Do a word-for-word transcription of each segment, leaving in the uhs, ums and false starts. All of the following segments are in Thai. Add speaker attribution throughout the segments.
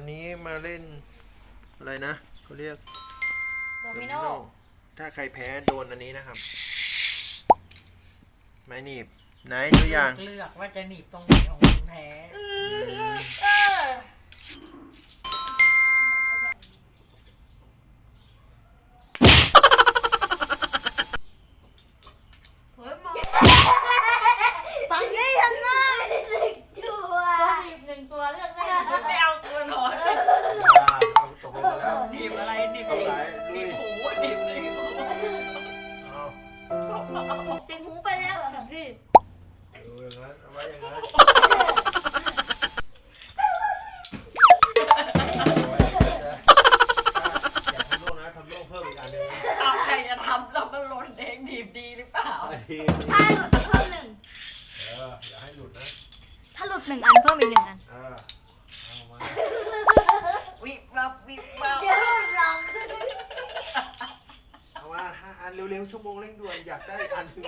Speaker 1: วันนี้มาเล่นอะไรนะเขาเรียก
Speaker 2: โดมิโน
Speaker 1: ถ้าใครแพ้โดนอันนี้นะครับไม้หนีบไหนตัวอย่าง
Speaker 3: เลือกว่าจะหนีบตรงไหนของคนแพ้
Speaker 2: ฝั่งนี้ยังไงตัวหนีบหนึ่งตัวเลือกได้
Speaker 3: ไม่เอาตัวนอน
Speaker 1: เอาตกลงแล้ว
Speaker 3: หนีบอะไรหนีบหนีบหูหนีบเลย
Speaker 2: ติดหูไปแล้วอ่ะพี่
Speaker 1: ดูอย่างนั้นเอาไว้อย่างนั้นอย่าทำโลกนะทำโลกเพิ่มอีกอันนึง
Speaker 3: ใครจะทำเรามันหล่นเองหนีบดีหรือเปล่า
Speaker 2: ถ้าหลุดเพิ่มหนึ่ง
Speaker 1: เอออย่าให้หลุดนะ
Speaker 2: ถ้าหลุดหนึ่งอันเพิ่มอีกหนึ่งอัน
Speaker 1: เออเอามา
Speaker 3: วิบวับวิบวับ
Speaker 2: เดี๋ยวลอง
Speaker 1: เอามาห้าอันเร็วๆชั่วโมงเร่งด่วนอยากได้อันนึง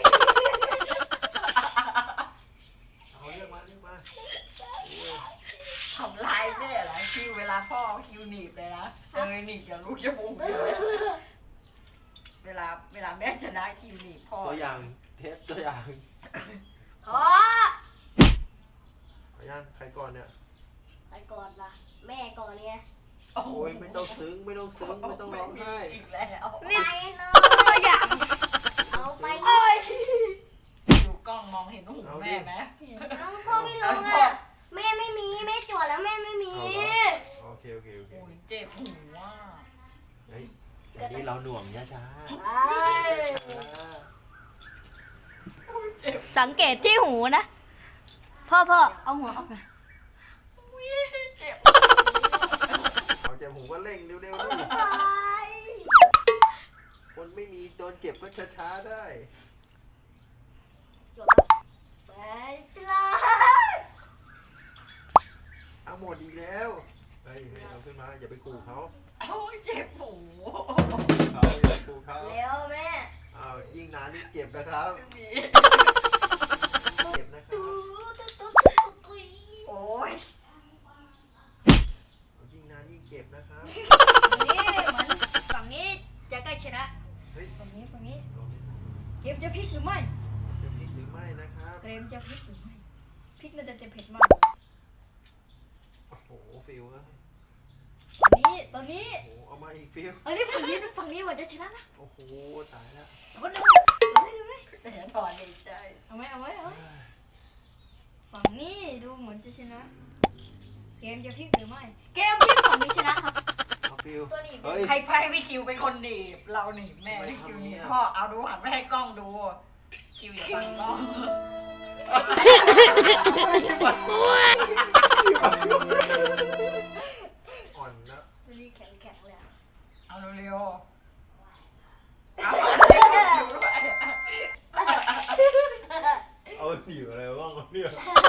Speaker 1: เอาเรียกมาเรียกมา
Speaker 3: ทำลายแม่เหรอคิวเวลาพ่อคิวหนีบเลยนะเออหนีบอย่ารู้จะบุ้งเลยเวลาเวลาแม่ชนะคิวหนีบพ่อ
Speaker 1: ตัวอย่างเทปตัวอย่าง
Speaker 2: ขอ
Speaker 1: ขอย่างใครก่อนเนี่ย
Speaker 2: ใครก่อนล่ะแม่ก่อนเนี่ย
Speaker 1: โอ้ยไม่ต้องซึ้งไม่ต้องซึ้งไม่ต้องร้องไห้
Speaker 3: อีกแล้ว
Speaker 2: นี่น้อยอยากเอาไป
Speaker 3: ดูกล้องมองเห็นหูแม่ไหม
Speaker 2: พ่อไม่ร้องอ่ะแม่ไม่มีแม่จวดแล้วแม่ไม่มี
Speaker 1: โอเคโอเคโอเค
Speaker 3: โอ้ยเจ็บหูว่า
Speaker 1: เฮ้ยอันนี้เราหน่วงช้าช้า
Speaker 2: สังเกตที่หูนะพ่อพ่อเอาหัวออกมา
Speaker 3: เจ็บ
Speaker 1: เอาเจ็บหูก็เร่งเร็วๆนี่คนไม่มีโดนเจ็บก็ช้าๆได้
Speaker 2: ไปเลย
Speaker 1: เอาหมดอีกแล้วเฮ้ยเอาขึ้นมาอย่าไปขู่เขา
Speaker 3: โอ้ยเจ็บหู
Speaker 1: เขาอย่าไปขู่เขา
Speaker 2: เร็วแม่
Speaker 1: อ้าวยิ่งนานยิ่งเจ็บนะครับเจ็บนะครับ
Speaker 3: โอ้ย
Speaker 1: ยิ่งนานยิ่งเจ็บนะครับ
Speaker 2: นี่เหมือนฝั่งนี้จะใกล้ชนะฝั่งนี้ฝั่งนี้เกมจะพลิกหรือไม่
Speaker 1: จะพลิกหรือไม่นะครับ
Speaker 2: เกมจะพลิกหรือไม่พลิกน่าจะเผ็ดมาก
Speaker 1: โอ้โหฟิลนะ
Speaker 2: ตอนนี้ตอนนี้
Speaker 1: โอ้เอามาอีกฟิล
Speaker 2: อันนี้ฝั่งนี้ฝั่งนี้มันจะชนะนะ
Speaker 1: โอ้โหตายแล้ว
Speaker 2: คนเดียวเลยไหม
Speaker 3: แต่ถอนในใจ
Speaker 2: เอาไหมเอาไหมเอาฝั่งนี้ดูเหมือนจะชนะเกมจะพลิกหรือไม่เกมพลิกฝั่งนี้ชนะครับ
Speaker 1: ตัวนี้
Speaker 3: ใครไพ่พี่คิวเป็นคนหนีบเราหนีบแม่พี่คิวหนีบพ่อเอาดูหันไปให้กล้องดูคิวอย่าฟังกล้อง
Speaker 1: อ่อนนะ
Speaker 2: ตัวนี้แข็งแข็งเลย
Speaker 3: เอาเร็วเอา
Speaker 1: เอาหนีอะไรบ้างเนี่ย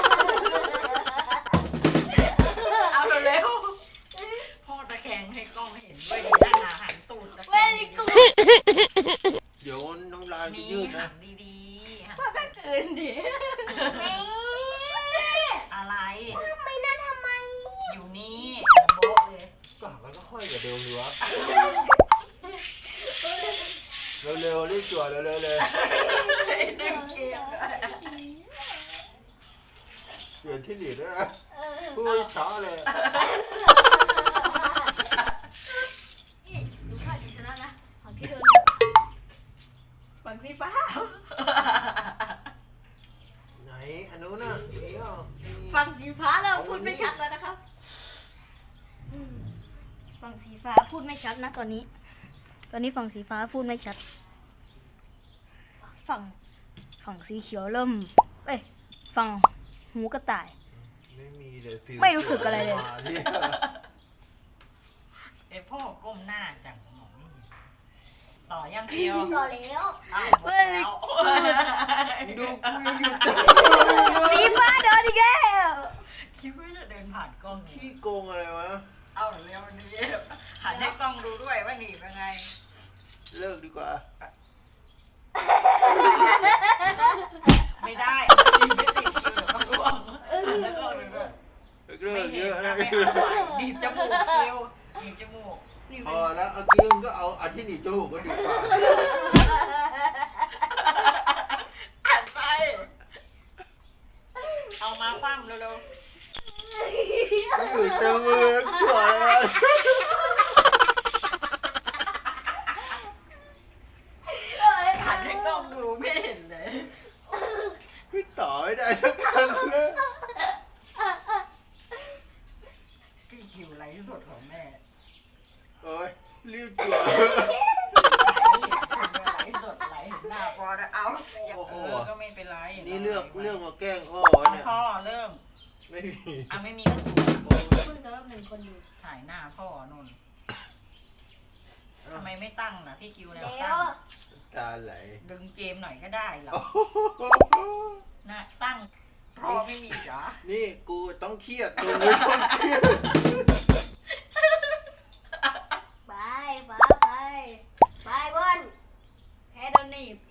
Speaker 3: เอาเร็วพ่อตะแคงให้กล้องเห็นด้วยดีหน้าหนาหันตูดตะแคง
Speaker 1: เดี๋ยวน้องลายยืดนะ
Speaker 3: ดี
Speaker 2: ๆพ่อก็คืนดิ
Speaker 3: อะไร
Speaker 2: ไม่น่าทำไม
Speaker 3: อยู่นี่โบ๊ะเลย
Speaker 1: ก็หักแล้วก็ห้อยกับเดิมอยู่วะเร็วๆรีบจั่วเร็วๆเลยเปลี่ยนที่หนีด้วยนะพูดช้าเลย
Speaker 2: ดูข้าชนะนะฝั่งที่โดนฝั่งสีฟ้า
Speaker 1: ไหนอันนู้นน่ะนี่ก็
Speaker 2: ฝั่งสีฟ้าเราพูดไม่ชัดแล้วนะครับฝั่งสีฟ้าพูดไม่ชัดนะตอนนี้ตอนนี้ฝั่งสีฟ้าพูดไม่ชัดฝั่งฝั่งสีเขียวเริ่มเอ้ยฝั่งหูกระต่าย
Speaker 1: ไม่มีเลยฟิล
Speaker 2: ไม่รู้สึกอะไรเลย
Speaker 3: ไอพ่อก้มหน้าจังต่อยังเดียว
Speaker 2: ต่อแล้ว
Speaker 3: เฮ้ย
Speaker 1: ดูกูยังอยู่
Speaker 2: สีฟ้าเดินอีกแล้ว
Speaker 3: คิดว่าจะเดินผ่านกล้อง
Speaker 1: ขี้โกงอะไรวะ
Speaker 3: เอาเร็วนี้หันให้กล้องดูด้วยว่าหนีเป็นไง
Speaker 1: เลิกดีกว่า
Speaker 3: ไม่ได้ไม่ติดคิวเดี๋ยวต้องร่วงแล้วก็เลย
Speaker 1: เรื่
Speaker 3: ไม่
Speaker 1: องเย
Speaker 3: เห็น
Speaker 1: อะ
Speaker 3: นะ
Speaker 1: นะ
Speaker 3: ไม่เอาไหวดีบจมูกคิวดีบจมูก
Speaker 2: นี่
Speaker 1: พ
Speaker 2: มั
Speaker 1: อน แล้วเอากี้มึงก็เอาอันที่หนีบจมูกก็ดีกว่า
Speaker 3: อ่านไปเอามาคว่ำเร็ว
Speaker 1: ไม่อยู่เจอมือชั่วเลย
Speaker 3: ๆหันให้กล้องดูไม่เห็นเลย
Speaker 1: พี่ต่อไม่ได้ทั้งกันเลย
Speaker 3: พี่คิวไลฟ์สดของแม่
Speaker 1: โอ้ยรีบจั่ว
Speaker 3: ไลฟ์สดไลฟ์เห็นหน้าพอแล้วเอาอย่าเออก็ไม่เป็นไร
Speaker 1: นี่เลือกเลือกมาแกล้งพ่อ
Speaker 3: เอา
Speaker 1: เนี่ย
Speaker 3: พ่อเริ่ม
Speaker 1: ไม่มี
Speaker 3: อ่ะไม่มีก็ตัว
Speaker 2: เพิ่งสำหรับหนึ่งคนดู
Speaker 3: ถ่ายหน้าพ่อนนทำไมไม่ตั้งนะพี่คิวแล้ว
Speaker 2: เดี๋ย
Speaker 3: ตั้
Speaker 2: ว
Speaker 3: ง
Speaker 1: ตาไหล
Speaker 3: ดึงเกมหน่อยก็ได้เหรอนะตั้งพ่อไม่มีเหรอ
Speaker 1: นี่กูต้องเครียดตรงนี้ต้องเครียด
Speaker 2: ไปไปไปไปบอลแพ้โดนหนีบ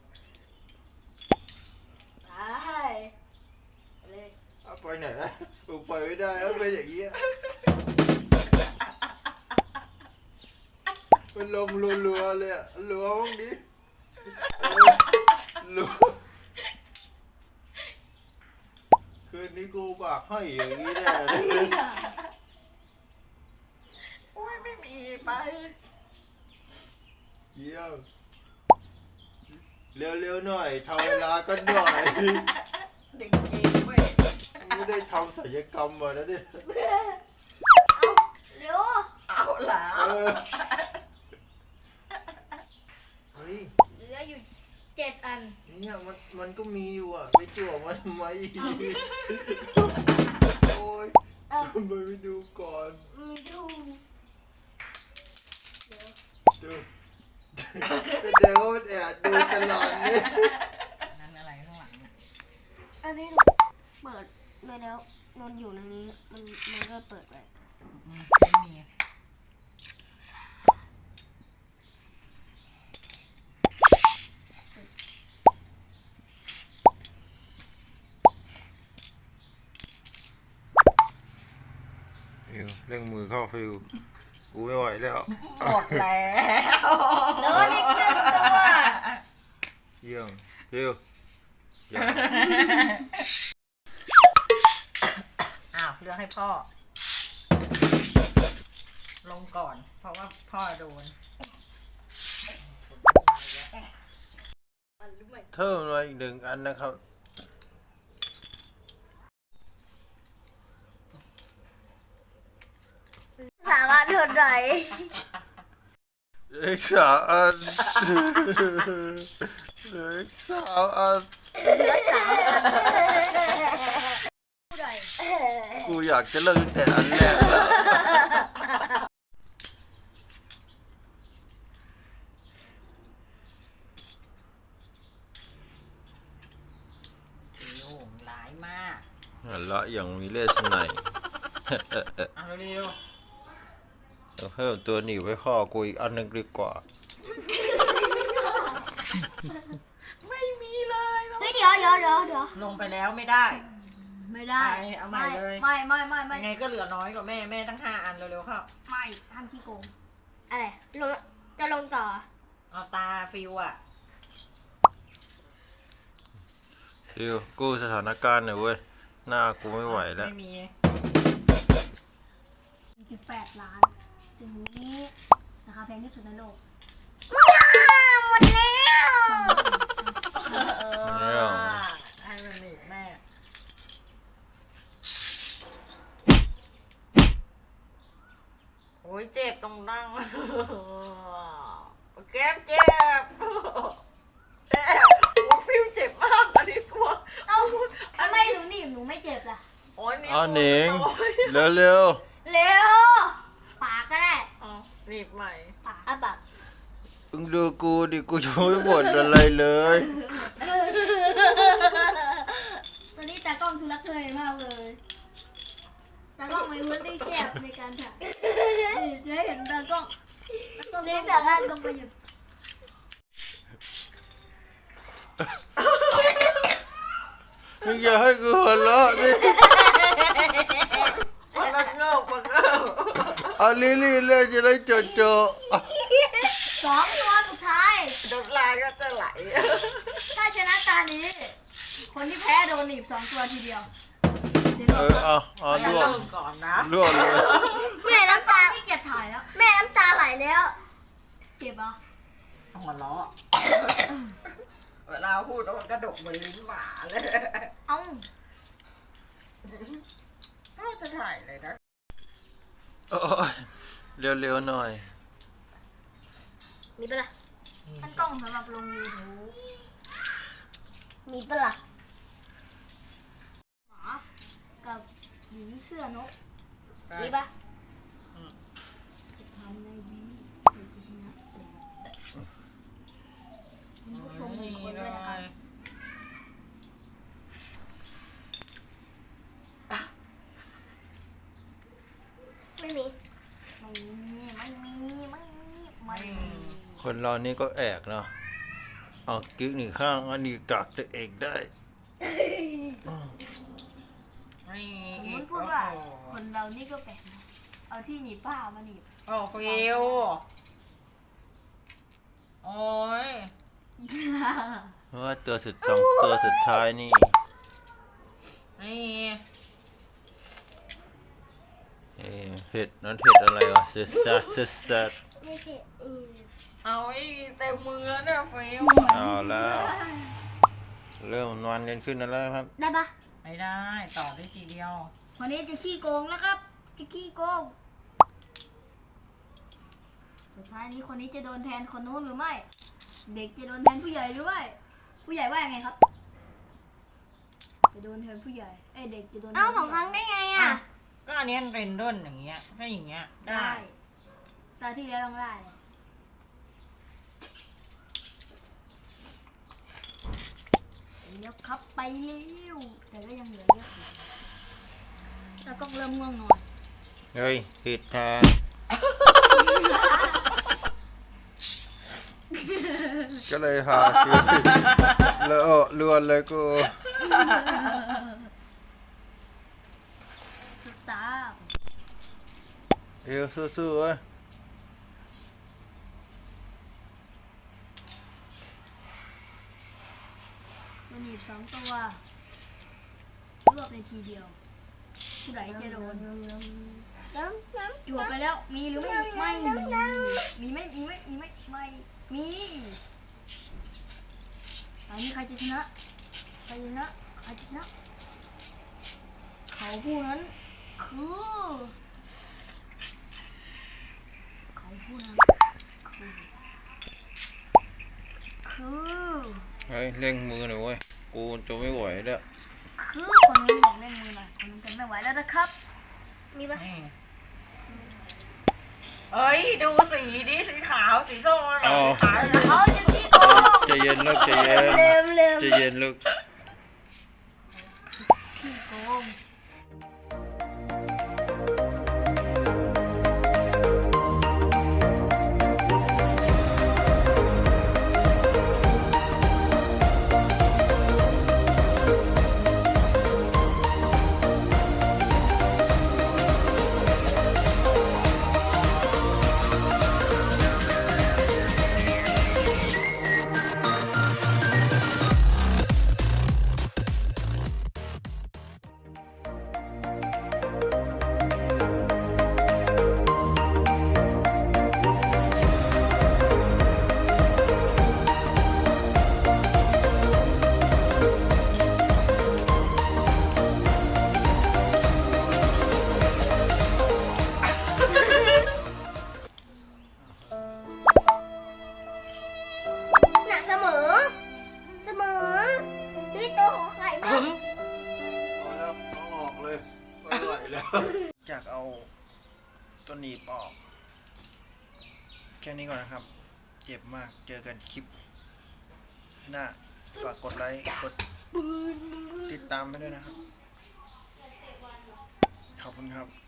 Speaker 2: ไปเลย
Speaker 1: เอาไปไหนอะกูไปไม่ได้แล้วเป็นอย่างเงี้ยมันลงรัวๆเลยอะรัวบ้างดิเออรัวคืนนี้กูบากให้อย่างนี้แน่เลย
Speaker 3: โอ้ยไม่มีไป
Speaker 1: เยี่ยมเร็วๆหน่อยทำเวลากันหน่อย
Speaker 3: ดึงเกมเว้ย
Speaker 1: ไม่ได้ทำศัลยกรรมมาแล้วเนี่ย
Speaker 2: เร็ว
Speaker 3: เอาเหรอ
Speaker 1: เออเฮ้ย
Speaker 2: เหลืออยู่เจ็ดอัน
Speaker 1: เนี่ยมันมันก็มีอยู่อ่ะไปจั่วมันทำไมโอ้ย
Speaker 2: เอ้า
Speaker 1: ทำไมไม่ดูก่อน
Speaker 2: อืมดูเดี๋ยว
Speaker 1: ดูเดี๋ยวมันแอบดูตลอดเนี่ย
Speaker 3: นั่นอะไรข้างหลังเนี่ย
Speaker 2: อันนี้เปิดเลยแล้วนอนอยู่ในนี้มันมันก็เปิดไป
Speaker 3: อืมไม่มี
Speaker 1: ฟิวเร่งมือเข้าฟิวกูไม่ไหวแล้ว
Speaker 3: หมดแล้ว
Speaker 2: โดนอีกหนึ่งตัว
Speaker 1: เยี่ยมฟิวอย่า
Speaker 3: อ้าวเลือกให้พ่อ ลงก่อน เพราะว่าพ่อโดน
Speaker 2: อันรู้ไหม
Speaker 1: เพิ่มมาอีกหนึ่งอันนะครับ
Speaker 2: สามารถทนไหน
Speaker 1: เล็กสามอันเล็กสามอัน
Speaker 2: เหลือสามอันผู้ใด
Speaker 1: กูอยากจะเลิกตั้งแต่อันแรกแล้ว
Speaker 3: โอ้โหร้ายมาก
Speaker 1: หันละอย่างมีเลสไน
Speaker 3: เอาเร็ว
Speaker 1: เราเพิ่มตัวหนีบไว้ข้อกูอีกอันหนึงดีกว่า
Speaker 3: ๆไม่มีเลยต้อง
Speaker 2: เฮ้ยเดี๋ยวเดี๋ยวเดี๋ยวเดี๋ยว
Speaker 3: ลงไปแล้วไม่ได้
Speaker 2: ไม่ได้
Speaker 3: ไปเอาใหม่เลย
Speaker 2: ไม่ไม่ไม่ไม่
Speaker 3: ยังไงก็เหลือน้อยกว่าแม่แม่ตั้งห้าอันเร็วๆเข้า
Speaker 2: ไม่ห้ามขี้โกงอะไรลงจะลงต่อ
Speaker 3: เอาตาฟิวอ่ะ
Speaker 1: ฟิวกู้สถานการณ์หน่อยเว้ย หน้ากูไม่ไหวแล้ว
Speaker 3: ไม่มี
Speaker 2: สิบแปดล้านสิ่งนี้ราคาแพงที่สุดในโลกหมดแล้ว
Speaker 3: เอ
Speaker 1: เนี่ย
Speaker 3: อให้มันหนีบแม่ โอ้ยเจ็บตรงดั้งแก้มเจ็บเจ็บโอ้ยฟิวเจ็บมากอันนี้ตัว
Speaker 2: เอ้าทำไมหนูหนีบหนูไม่เจ็บล่ะ
Speaker 3: โอ้ยนี่
Speaker 1: อ้าวหนิง
Speaker 3: โอ้ย
Speaker 1: เร็ว
Speaker 2: เร็วปากก็ได้
Speaker 3: เอาหนีบใหม่
Speaker 2: ปากอ่ะปาก
Speaker 1: ๆมึงดูกูดิกูจะไม่บ่นอะไรเลย
Speaker 2: ตอนนี้ตากล้องทุลักทุเลมากเลยตากล้องไม่รู้ได้แคบในการถ่ายนี่จะให้เห็นตากล้องเลี้ยงแต่ละต้องไปหยุด
Speaker 1: มึงอย่าให้กูหัวเราะดิเอาลิลลี่เลยจะได้เจอเจอ
Speaker 2: สองตัวสุดท้าย
Speaker 3: น้ำลายก็จะไหล
Speaker 2: ถ้าชนะตานี้ คนที่แพ้โดนหนีบสองตัวทีเดียวเดี๋ยว
Speaker 1: เอ
Speaker 2: เรา
Speaker 1: อเอาเอา
Speaker 3: อย่า
Speaker 1: ล่วง
Speaker 3: เริ่มก่อนนะ
Speaker 1: ล่วงเลย
Speaker 2: แม่น้ำตาที่เกียจถ่ายแล้ว แม่น้ำตาไหลแล้วเจ็บอ่ะ
Speaker 3: หัวเราะเวลาพูดแล้วมันกระดกเหมือนลิ้นหมาเลย
Speaker 2: เอ้า
Speaker 3: ก็จะถ่ายเลยนะ
Speaker 1: โอ้ยเร็วๆหน่อย
Speaker 2: มีปะล่ะท่านกล้องสำหรับลงยูทูบมีปะล่ะหมากับหญิงเสื้อนกมีปะทำในวีเดี๋ยวจะชนะคุณผู้ชมหนึ่งคนด้วยนะครับไม่มีไม่มีไม่มีไม่มีไม่มี
Speaker 1: คนเรานี่ก็แอกเนาะเอากิ๊กหนึ่งข้างอันนี้กักตัวเองได้
Speaker 3: ไม่
Speaker 2: ผมมันพูดว่าคนเรานี่ก็แปลกนะเอาที่หนีบผ้ามาหนีบ
Speaker 3: โอ้ฟิวโอ้ย
Speaker 1: เพราะว่าตัวสุดสองตัวสุดท้ายนี่
Speaker 3: นี่
Speaker 1: เอ่อเห็ดนั้นเห็ดอะไรวะเซซัสเซซัส
Speaker 2: ไม่เผ็ดอือ
Speaker 3: เอาไอ้เต็มมือแล้วเนี่ยฟิว
Speaker 1: เอาแล้ว เริ่มนอนกันขึ้นแล้วครับ
Speaker 2: ได้ปะ
Speaker 3: ไม่ได้ต่อได้ทีเดียว
Speaker 2: วันนี้จะขี้โกงแล้วครับจะขี้โกงสุดท้ายนี้คนนี้จะโดนแทนคนนู้นหรือไม่ เด็กจะโดนแทนผู้ใหญ่หรือไม่ผู้ใหญ่ว่ายังไงครับจะโดนแทนผู้ใหญ่เอ้ยเด็กจะโดนแทน
Speaker 4: เอา
Speaker 2: ผู้
Speaker 4: สองค
Speaker 2: ใหญ่
Speaker 4: รั้งได้ไง
Speaker 3: อ่ะ
Speaker 4: อ่ะ
Speaker 3: ก็อันนี้เรนเดนอย่างเงี้ยถ้าอย่างเงี้ยได้
Speaker 2: ได้ตาที่แล้วต้องได้เลยเลี้ยวครับไปเร็วแต่ก็ยังเหลือเยอะอยู่แล้วก็เริ่มง่วงนอน
Speaker 1: เฮ้ยผิดทางก็เลยหาคิวแล้วเลือนเลยกู
Speaker 2: สตาร์
Speaker 1: เอวสู้ๆเว้ย
Speaker 2: มันหนีบสองตัวรวบในทีเดียว ผู้ใดจะโดน
Speaker 4: น้ำน้
Speaker 2: จวบไปแล้ว มีหรือไม่มีไม่มีมีไหมมีไหมมีไหมไม่มีอันนี้ใครจะชนะใครจะชนะใครจะชนะเขาผู้นั้นคือเขาผู้นั้นคือคือ
Speaker 1: เฮ้ยเร่งมือหน่อยเว้ยกูจะไม่ไหวแล้ว
Speaker 2: คือคนนี้บอกเล่นมือหน่อยคนนี้กันไม่ไหวแล้วนะครับ มีปะ
Speaker 3: นี่เอ้ยดูสีดิสีขาวสีส้มอะไรสีขาว
Speaker 2: เขาจะขี้โกง
Speaker 1: ใจเย็นลูกใจเย็น
Speaker 2: เร็วเร็ว
Speaker 1: ใจเย็นลูก
Speaker 2: ขี้โกง
Speaker 4: ำหนักเสมอ เสมอด้วยตัวของไข่มาก
Speaker 1: พอแล้วเอาออกเลยไม่ไหวแล้วอยากเอาตัวหนีบออก แค่นี้ก่อนนะครับ เจ็บมากเจอกันคลิปหน้าฝากกดไลค์กดติดตามไปด้วยนะครับ ขอบคุณครับ